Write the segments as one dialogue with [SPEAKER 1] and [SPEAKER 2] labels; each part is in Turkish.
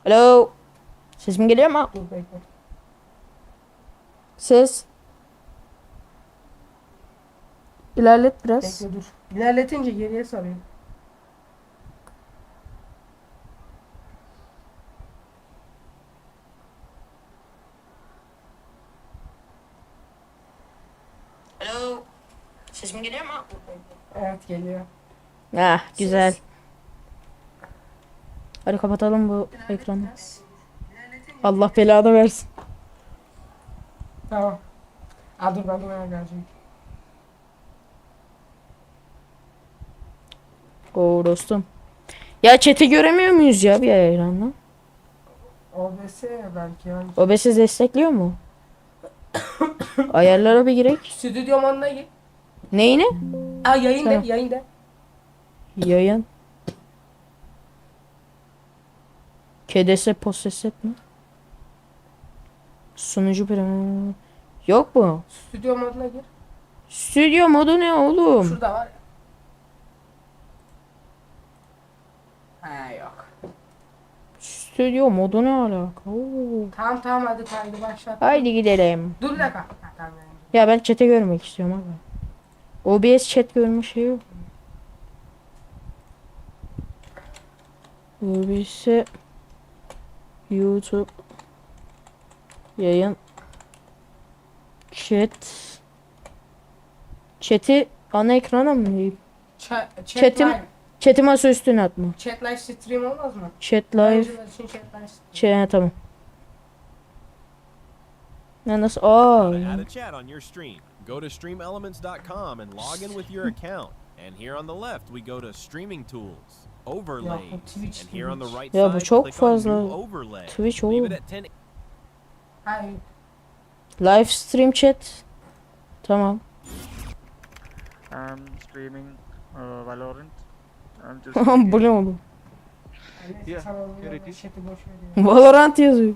[SPEAKER 1] Alo. Sesim geliyor mu?
[SPEAKER 2] Dur bekle.
[SPEAKER 1] Ses. İlerlet biraz.
[SPEAKER 2] Bekle dur. İlerletince geriye sarıyor.
[SPEAKER 1] Alo. Sesim geliyor mu?
[SPEAKER 2] Dur bekle. Evet geliyor.
[SPEAKER 1] Ah güzel.
[SPEAKER 2] Ses.
[SPEAKER 1] Hadi kapatalım bu ekranı. Allah belanı versin.
[SPEAKER 2] Tamam. Aa dur ben de buraya geleceğim.
[SPEAKER 1] Oo dostum. Ya chat'i göremiyor muyuz ya bir ekranla?
[SPEAKER 2] OBS belki yani.
[SPEAKER 1] OBS destekliyor mu? Ayarlara bir girek.
[SPEAKER 2] Stüdyo moduna gir.
[SPEAKER 1] Neyini?
[SPEAKER 2] Aa yayın
[SPEAKER 1] Tamam.
[SPEAKER 2] de yayın de.
[SPEAKER 1] Yayın. KDS poseset mi? Sunucu primi. Yok mu?
[SPEAKER 2] Stüdyo moduna gir.
[SPEAKER 1] Stüdyo modu ne oğlum?
[SPEAKER 2] Şurada var ya. Ha yok.
[SPEAKER 1] Stüdyo modu ne alaka? Oo.
[SPEAKER 2] Tamam tamam hadi kaydı başlat.
[SPEAKER 1] Haydi gidelim.
[SPEAKER 2] Dur bir dakika. Ha, tamam yani.
[SPEAKER 1] Ya ben chat'i görmek istiyorum abi. OBS chat görme şey yok. OBS YouTube yayın chat'i ana ekrana mı yiyeyim? Chat'im
[SPEAKER 2] live.
[SPEAKER 1] chat'i masa üstüne atma.
[SPEAKER 2] Chat live stream olmaz mı?
[SPEAKER 1] Chat live
[SPEAKER 2] Oyuncular için chat live stream.
[SPEAKER 1] tamam. Ya nasıl? Aa.
[SPEAKER 3] To add a chat on your stream, go to streamelements.com and log in with your account. And here on the left, we go to streaming tools, overlays,
[SPEAKER 2] Twitch
[SPEAKER 3] and here on the right
[SPEAKER 1] Ya bu
[SPEAKER 3] side,
[SPEAKER 1] çok
[SPEAKER 3] click on new
[SPEAKER 1] fazla
[SPEAKER 3] overlay.
[SPEAKER 1] Twitch
[SPEAKER 3] Leave
[SPEAKER 1] oğlum.
[SPEAKER 3] it at 10.
[SPEAKER 2] Hayır.
[SPEAKER 1] Live stream chat. Tamam.
[SPEAKER 4] I'm streaming Valorant. I'm just
[SPEAKER 1] Bu ne oğlum?
[SPEAKER 2] Neyse,
[SPEAKER 4] Yeah,
[SPEAKER 2] sana onu
[SPEAKER 4] here it is.
[SPEAKER 2] chat'i boş ver ya.
[SPEAKER 1] Valorant yazıyor.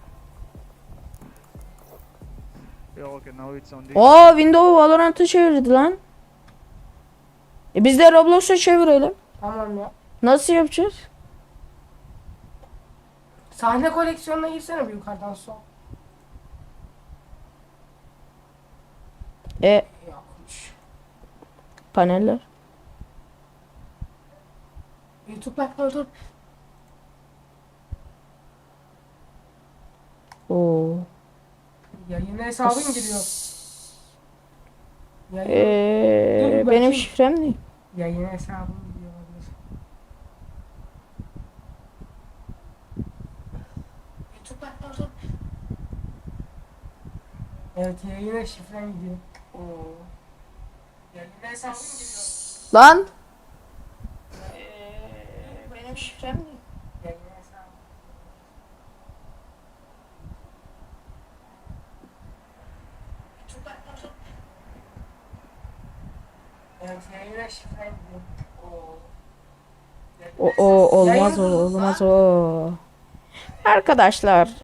[SPEAKER 4] yeah, okay, now it's on the
[SPEAKER 1] Aa Windows Valorant'ı çevirdi lan. Biz de Roblox'a çevirelim.
[SPEAKER 2] Tamam ya.
[SPEAKER 1] Nasıl yapacağız?
[SPEAKER 2] Sahne koleksiyonuna girsene bir yukarıdan sol. Yokmuş.
[SPEAKER 1] Paneller.
[SPEAKER 2] YouTube bakma dur.
[SPEAKER 1] Oo.
[SPEAKER 2] Yayın hesabın giriyor. Yayın, Dur
[SPEAKER 1] Benim
[SPEAKER 2] bakayım.
[SPEAKER 1] şifrem ne?
[SPEAKER 2] yayın hesabın giriyor. olabilir. YouTube bakma dur. Evet yayına şifren gidiyor. Yayın hesabın giriyor.
[SPEAKER 1] Lan. Benim şifrem ne?
[SPEAKER 2] Yayın hesabın. YouTube bakma dur. Evet yayına şifren gidiyor.
[SPEAKER 1] O olmaz o
[SPEAKER 2] Yayın
[SPEAKER 1] olmaz o. Arkadaşlar